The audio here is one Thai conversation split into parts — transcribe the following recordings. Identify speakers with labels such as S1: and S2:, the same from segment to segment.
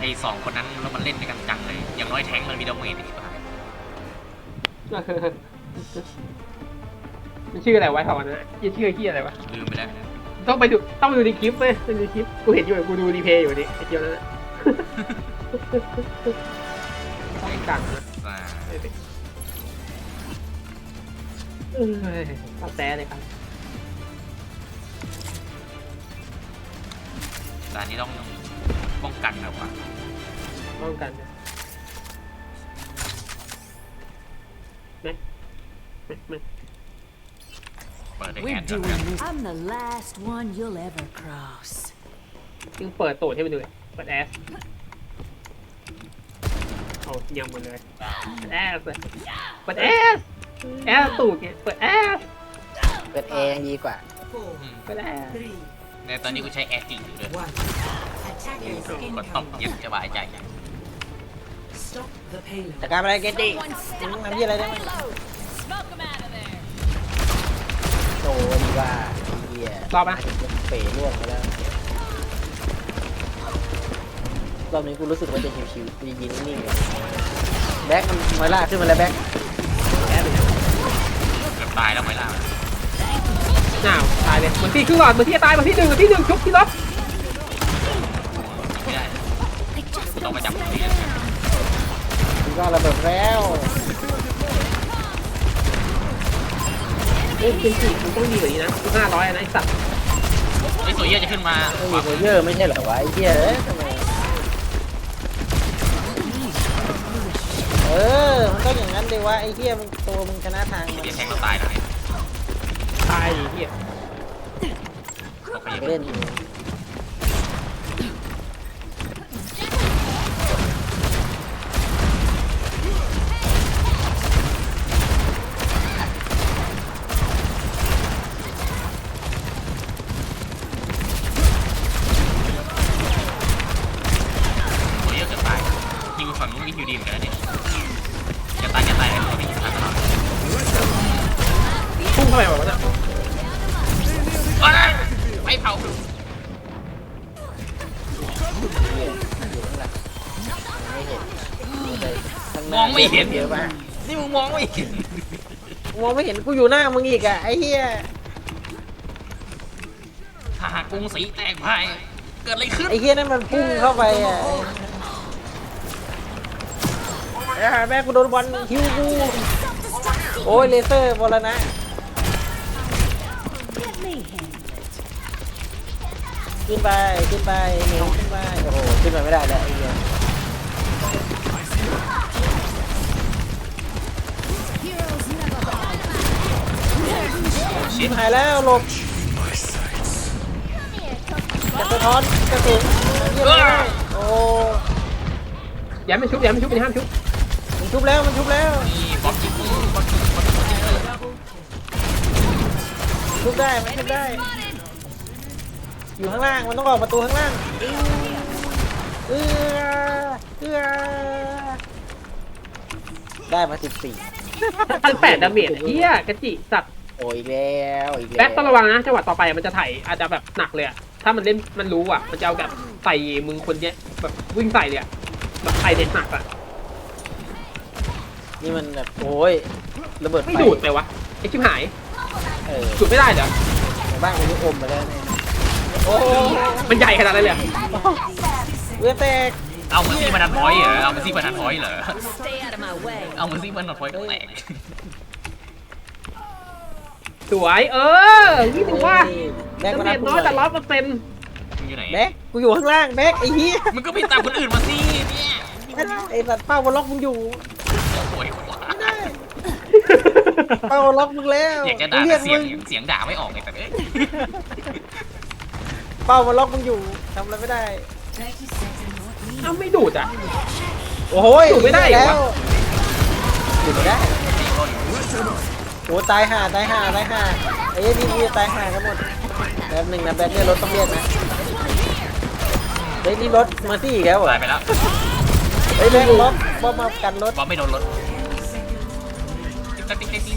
S1: ไอ้สองคนนั้นแล้วมันเล่นด้วยกันจังเลยอย่างน้อยแท้งมันมีดาเมจอีกป่ะ
S2: มันชื่ออะไรวะถอนนะชื่อที่อะไรวะ
S1: ลืมไปแล้ว
S2: ต้องไปดูในคลิปไหมในคลิปกูเห็นอยู่กูดูรีเพย์อยู่นี่ไอ้เจียวนั่นแหละต้องกังนะตัดแต่เลยครับ
S1: ด่านนี้ต้องป้องกันแบบว่า
S2: ป้องกันนะไหม
S1: เปิดได้แอ
S3: We're
S1: ดก่อน
S3: doing
S1: นะ
S3: this. I'm the last one you'll ever cross.
S2: จึงเปิดตูดให้มันดูเลยเปิดแอสเอายังหมดเลยเปิดแอสเปิดแอสแอสตูดเนี่ยเปิดแอส
S4: เปิดเอยังดีกว่า
S2: เปิดแอส
S1: ในตอนนี้กูใช้แอดจริงอยู่ด้วยก็ต้องเย็นสบายใจ
S4: แต่การอะไรเกตตี้มึงทำยี่อะไรได้ไหมโตดีว่าเฮีย
S2: รอบนะ
S4: เป๋ล่วงไปแล้วรอบนี้กูรู้สึกว่าจะชิวๆกูยิงนิ่งๆเลยแบ็คมันมาล่าขึ้นมาแล้วแบ็ค
S2: แอสเลย
S1: เกือบตายแล้วไหมล่ะ
S2: หนาวตายเลยเหมือนที่ครึ่งหลอดเหมือนที่จะตายเหมือนที่หนึ่งชุบที่ล็อก
S1: ไม่ได้กูต้องมาจับที่
S4: กูก็ระเบิดแล้ว
S2: เอ้ยเป็นสี่มันต้องดีกว่านี้นะ500นะไอ้สัตว์
S1: ไอ้ตัวเยี่ยจะขึ้นมา
S4: ไม่มีโคเยอร์ไม่ใช่เหรอวะไอ้เหี้ยเอ้ยทำไมมันก็อย่างนั้นเลยวะไอ้เหี้ยมึงตัวมึงชนะทางมัน
S1: เดี๋ยวแทงเราตายแล้ว
S2: ตายดิเหี้ย
S1: เราไป
S4: เล่นอยู่
S1: ตัวเยี่ยเกือบตายยิงฝั่งนู้นยิงอยู่ดีเหมือนกันนะเนี่ยจะตายเลยตัวนี้ตายตลอด
S2: พุ่งเข้าไปแบบว่าน่ะ
S1: ไม่เผา
S4: อยู่ข้างหลังไม่เห็นเยอะมาก
S1: นี่มึงมองไม่เห็น
S4: มองไม่เห็นกูอยู่หน้ามึงอีกอะไอ้เหี้ย
S1: หากกรุงศรีแตกพ่ายเกิดอะไรขึ้น
S4: ไอ้เหี้ยนั่นมันพุ่งเข้าไปอะแม่กูโดนบอลคิวกูโอ้ยเลเซอร์บอลนะ ขึ้นไปหนีขึ้นไปโอ้โหขึ้นมาไม่ได้แล้วไอ้เหี้ยชิบหายแล้วหลบจะสะท้อนกระสุนโอ้
S2: อย่าไม่ชุบมันห้ามชุบ
S4: มันชุบแล้ว
S1: นี่บ๊อบยิงบ๊อบยิง
S4: ชุบได้มันชุบได้อยู่ข้างล่างมันต้องออกประตูข้างล่างได้มา
S2: 1,800ดาเมจเหี้ยกระจิสัตว์
S4: โอ้ยอีกแล้ว
S2: แบ็คต้องระวังนะจังหวะต่อไปมันจะถ่ายอาจจะแบบหนักเลยอะถ้ามันเล่นมันรู้อ่ะมันจะเอาแบบใส่มึงคนเนี้ยแบบวิ่งใส่เลยอะแบบใส่เด็ดหนักอ่ะ
S4: นี่มันแบบโอ้ยระเบิด
S2: ไม่
S4: ไฟ
S2: ดูดไปวะไอ้ชิบหาย ดูดไม่ได้เหรอ
S4: ในบ้านมันยุอมมาแล้วเนี่ยโอ้
S2: มันใหญ่ขนาดนั้นเลย
S4: เรือแตก
S1: เอาเหมือนซี่มันดันพอยต์เหรอเอาเหมือนซี่มันดันพอยต์เหรอ
S3: Stay out of my way.
S1: เอาเหมือนซี่มันดันพอยต์ก็แตก
S2: สวยนี่ถือว่า
S4: แบ็ค
S2: ดา
S4: มา
S2: เม
S4: รับ
S2: จน้อยแต่100%
S1: มึงอยู่ไหน
S4: แบ็คกูอยู่ข้างล่างแบ็คไอ้เหี้ย
S1: มึงก็ไปตามคนอื่นมาสิเนี่ย
S4: ไอ้สัตว์เป้าบอลล็อกมึงอยู่
S1: โอ้ย
S4: ไม่ได้เป้าบอลล็อกมึงแล้ว
S1: อยากจะด่า
S4: เรี
S1: แต่
S4: ก
S1: เสีย
S4: มึ
S1: งเสียงด่าไม่ออกเลยแต่เอ้ย
S4: เป้าบอลล็อกมึงอยู่ทำอะไรไม่ได้
S2: เอ้าไม่ดูดอ่ะ
S4: โอ้โห
S2: ดูดไม่ได้เหรอ
S4: แล้วดูดไม่ได้โอ้ตายห่าไอ้พี่ตายห่ากันหมดแป๊บหนึ่งนะแบ็คเนี่ยรถต้องเรียกนะเฮ้ยนี่รถมาซี่อีกแล้วเหรอ
S1: ตายไปแล้ว
S4: เฮ้ยแบ็ครถบอมมากันรถ
S1: บอมไม่โดนรถติ๊ง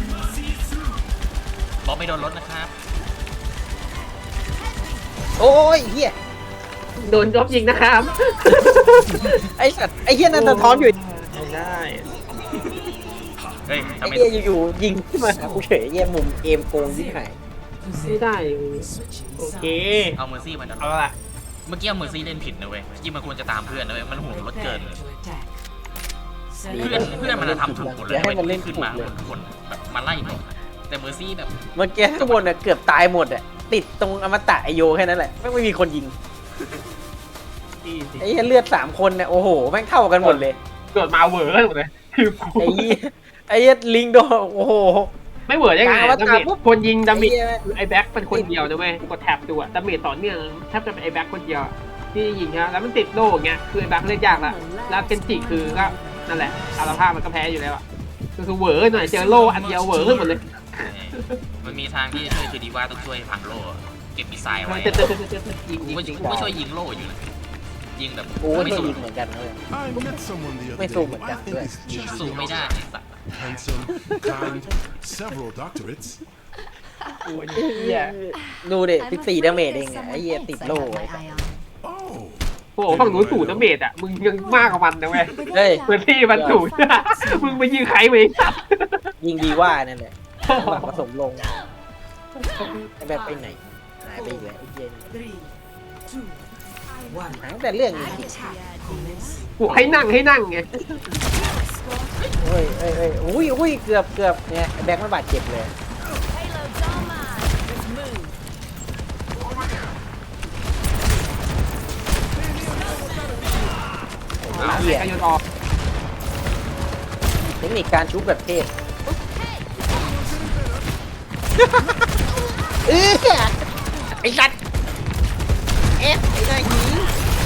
S1: บอมไม่โดนรถนะครับ
S4: โอ้ยเฮีย
S2: โดนรบยิงนะครับ
S4: ไอ้สัตว์ไอ้เหี้ยนั่นสะท้อนอยู่
S2: ไม่ได้
S1: เฮ้ย
S4: ไอ้
S1: ทำไม
S4: เหี้ยอยู่ๆยิงขึ้นมาหากูเฉยเหี้ยมุมเกมโกงยิ่งหาย
S2: ไม่ได้โอเค
S1: เอาเมอร์ซี่มาดัน
S2: เอาละ
S1: เมื่อกี้เมอร์ซี่เล่นผิดนะเว้ยที่มันควรจะตามเพื่อนนะเว้ยมันห่วงรถเกินเลยเพื่อนมันจะทำถูกหมดเลย
S4: อย่าให้มันเล่น
S1: ขึ้น
S4: ถูก
S1: มา
S4: เลย
S1: ทุกคนแบบมาไล่ก่อนแต่เมอร์ซี่แบบ
S4: เมื่อกี้ข้างบนน่ะเกือบตายหมดอ่ะติดตรงอมตะไอโยแค่นั้นแหละไม่มีคนยิง
S2: ดีสิ
S4: ไอ้เหี้ยเลือด3 คนเนี่ยโอ้โหแม่งเท่ากันหมดเลย
S2: เกิดมาเหวอร์หมดเลยคือกู
S4: ไอ้เหี้ยไอ้เหี้ยลิงโดนโอ้โห
S2: ไม่เหวอร์ได้ไง
S4: กลางอวตาร
S2: ดาเมจ
S4: ปุ๊บ
S2: คนยิงดาเมจ
S4: ไอ้เหี้ย
S2: ไอ้แบ็คเป็นคนเดียวนะเว้ยกูกดแท็บดูอะดาเมจต่อเนื่องแทบจะเป็นไอ้แบ็คคนเดียวที่ยิงนะแล้วมันติดโล่อย่างเงี้ยคือไอ้แบ็คเล่นยากละแล้วเกนจิคือก็นั่นแหละอารภาพมันก็แพ้อยู่แล้วอะก็คือเหวอร์หน่อยเจอโล่อันเดียวเหวอร์ขึ้นหมดเลย
S1: มันมีทางที่จะช่วยคือดีว่าต้องช่วยพังโล่เก็บมิสไซล์ไว้
S2: เจ็บยิง
S1: กูก็
S2: จริง
S1: ช่วยยิงโล่อยู่นะยิงแบบ
S4: กูก็
S1: ไม่
S4: ช่วย
S1: สู้
S4: ยิงเหมือนกันนะเลย
S5: I met someone the other
S4: Mấy
S5: day
S4: xu
S5: who
S4: mà
S5: I
S4: chặt
S5: think
S4: vậy.
S5: is just
S1: สู้ไม่ได้ไอ้สัตว์
S5: handsome, kind, several doctorates.
S2: โอ้ยเหี้ย
S4: ดูดิ14 ดาเมจเองอะไอ้เหี้ยติดโล่ไอ้สัส
S5: Oh,
S2: โอ้โหฝั่งนู้นสูตรดาเมจอะมึงยังมากกว่ามันนะเว้ย
S4: เฮ้ย
S2: พื้นที่มันสูตร มึงไปยิงใครไปสัตว์
S4: ยิงดีว่านั่นแหละหลังผสมลงไอ้แบบไปไหนหายไปอีกแล้วไอ้เหี้ยหายตั้งแต่เรื่องนี้
S2: กูให้นั่งไง
S4: เฮ้ยเฮ้ยเฮ้ยอุ้ยเกือบเนี่ยไอ้แบ็คมันบาดเจ็บเลย
S2: เอาเหี้ยโยนออก
S4: เทคนิคการชุบแบบเทพไอ้สัตว์ไอ้นายหญิง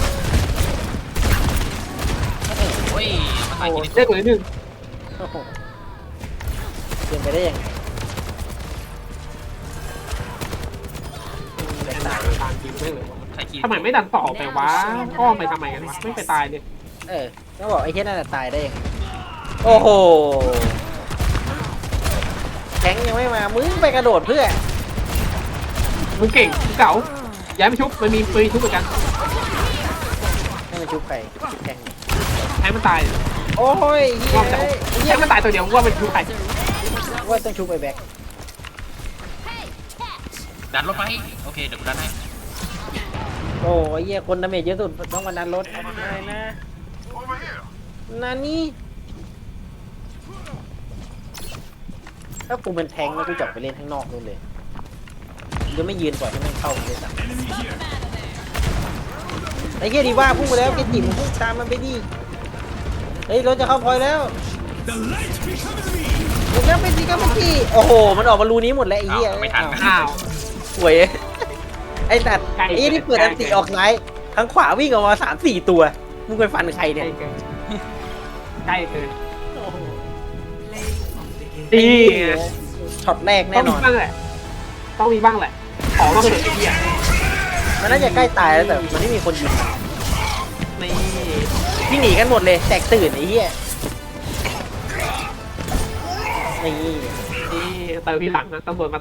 S1: โอ้ยมาใส่กิน
S2: เลือกตัวนิดนึง
S4: โอ้โหเป็นไปได้ยังไงแบ็คตาย
S2: ตามจริงไม่เลยวะ
S1: ใส่กิน
S2: ทำไมไม่ดันต่อไปวะอ้อมไปทำไมกันวะไม่ไปตายเลย
S4: ก็บอกไอ้เหี้ยนั่นน่ะตายได้ยังไงโอ้โหแข็งยังไม่มามึงไปกระโดดเพื่อ
S2: มึงเก่งมึงเก๋าย้ายไปชุบมันมีปืนชุบเหมือนกัน
S4: ให้มันชุบใครชุบแข็ง
S2: ให้มันตาย
S4: โอ้ยเหี้ย
S2: ว่าแต่ให้มันตายตัวเดียวว่ามันชุบใคร
S4: ว่าต้องชุบไอ้แบ็ค
S1: ดันรถไปโอเคเดี๋ยวกูดันให้
S4: โอ้ยเหี้ยคนดาเมจเยอะสุดต้องมาดันรถอะไรนะนานี่ถ้ากูเป็นแทงค์แล้วกูจับไปเล่นข้างนอกนู่นเลยจะไม่ยืนปล่อยให้มันเข้าเลยสักไอ้เหี้ยดีว่าพุ่งไปแล้วไอ้จิ๋มพุ่งตามมันไปดิเฮ้ยรถจะเข้าพอยแล้วเดี๋ยวไปสิครับเมื่อกี้โอ้โหมันออกมารูนี้หมดแล้วไอ้เหี้ย
S1: ไม่ทัน
S2: อ้าว
S4: ป่วยไอ้ตัดไอ้ที่เปิดอันติออกซ้ายทั้งขวาวิ่งออกมา3-4 ตัวมึงไปฟันใคร
S2: ใก
S4: เนี่ย
S2: ล้เกินใกล้เกิน
S4: ดี
S2: ดี
S4: ช็อตแรก
S2: ต้
S4: แน่
S2: อง
S4: น
S2: มี
S4: อน
S2: บ้างแหละต้องมีบ้างแหละขอมาเถอะไอ้เหี้ย
S4: มันน่าจะใกล้ตายแล้วแต่มันไม่มีคนยิง
S2: นี่
S4: ที่หนีกันหมดเลยแตกตื่นไอ้เหี้ยนี่
S2: นี่เติมทีหลังนะตำรวจมา